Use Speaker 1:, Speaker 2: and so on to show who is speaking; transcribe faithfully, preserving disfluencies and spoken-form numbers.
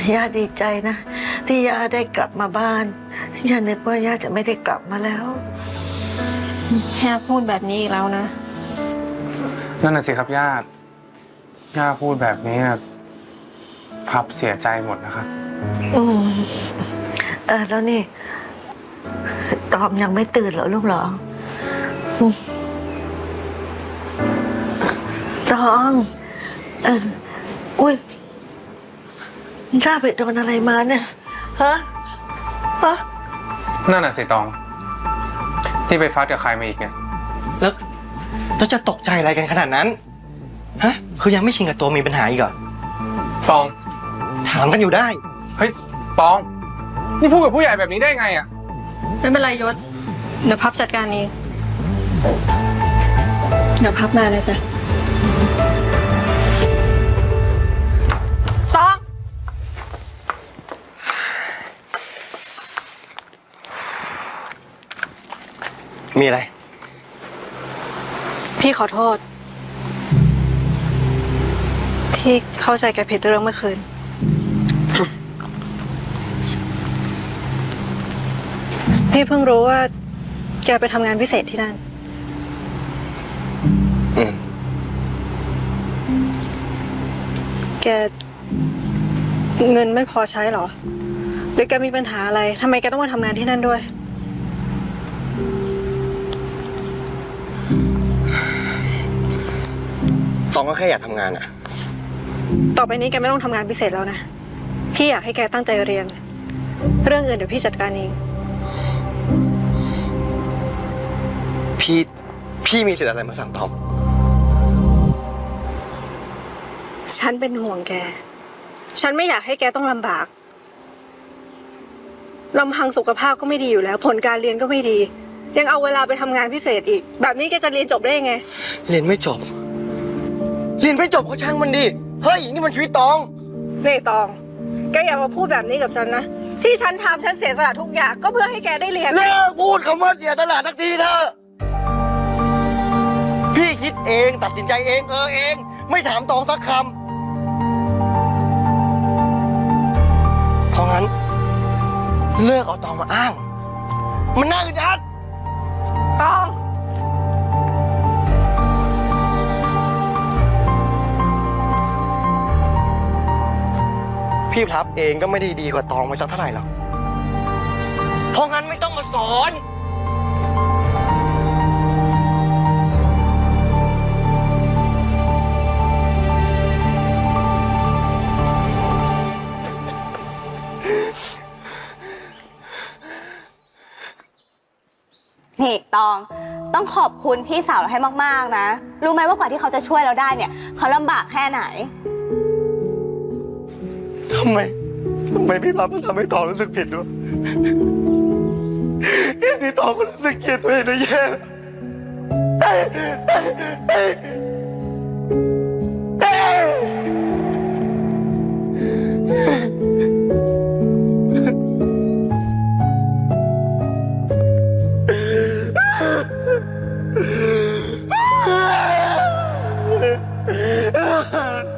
Speaker 1: ย่าดีใจนะที่ย่าได้กลับมาบ้านย่านึกว่าย่าจะไม่ได้กลับมาแล้ว
Speaker 2: ย่าพูดแบบนี้อีกแล้วนะ
Speaker 3: นั่นน่ะสิครับย่าย่าพูดแบบนี้พับเสียใจหมดนะครับ
Speaker 1: อืมเออแล้วนี่ตอมยังไม่ตื่นเหรอลูกเหรอตองเอออุ้ยย่าไปโดนอะไรมาเนี่ยฮะฮะ
Speaker 3: นั่นน่ะสิตองที่ไปฟัดกับใครมาอีกเนี่ย
Speaker 4: แล้วเราจะตกใจอะไรกันขนาดนั้นฮะคือยังไม่ชินกับตัวมีปัญหาอีกเหรอ
Speaker 3: ตอง
Speaker 4: ถามกันอยู่ได้
Speaker 3: เฮ้ยตองนี่พูดกับผู้ใหญ่แบบนี้ได้ไงอ่ะ
Speaker 2: ไม่เป็นไรยศเดี๋ยวพับจัดการเองเดี๋ยวพับมาเลยจ้ะตอง
Speaker 4: มีอะไร
Speaker 2: พี่ขอโทษที่เข้าใจแกผิดเรื่องเมื่อคืนพี่เพิ่งรู้ว่าแกไปทำงานพิเศษที่นั่น
Speaker 4: อืม
Speaker 2: แกเงินไม่พอใช้หรอหรือแกมีปัญหาอะไรทำไมแกต้องมาทำงานที่นั่นด้วย
Speaker 4: ตองก็แค่อยากทำงานอะ
Speaker 2: ต่อไปนี้แกไม่ต้องทำงานพิเศษแล้วนะพี่อยากให้แกตั้งใจเรียนเรื่องอื่นเดี๋ยวพี่จัดการเอง
Speaker 4: พี่พี่มีสิทธิ์อะไรมาสั่งตอง
Speaker 2: ฉันเป็นห่วงแกฉันไม่อยากให้แกต้องลำบากลำพังสุขภาพก็ไม่ดีอยู่แล้วผลการเรียนก็ไม่ดียังเอาเวลาไปทำงานพิเศษอีกแบบนี้แกจะเรียนจบได้ยังไง
Speaker 4: เรียนไม่จบเรียนไม่จบก็ช่างมันดิเฮ้ยนี่มันชีวิตตอง
Speaker 2: นี่ตองแกอย่ามาพูดแบบนี้กับฉันนะที่ฉันทำฉันเสียสละทุกอย่างก็เพื่อให้แกได้เรียน
Speaker 4: เลิกพูดคำว่าเสียสละสักทีเถอะพี่คิดเองตัดสินใจเองเออเองไม่ถามตองสักคำเพราะงั้นเลิกเอาตองมาอ้างมันน่าอึดอัด
Speaker 2: ตอง
Speaker 4: พี่พลับเองก็ไม่ได้ดีกว่าตองไปสักเท่าไหร่หรอกเพราะงั้นไม่ต้องมาสอน
Speaker 5: นี่ตองต้องขอบคุณพี่สาวเราให้มากๆนะรู้ไหมว่ากว่าที่เขาจะช่วยเราได้เนี่ยเขาลำบากแค่ไหน
Speaker 4: ทำไมทำไมพี่พับมันทำให้ตองรู้สึกผิดวะแค่นี้ตองก็รู้สึกเกลียดตัวเองนะแย่เต้เต้เต้เต้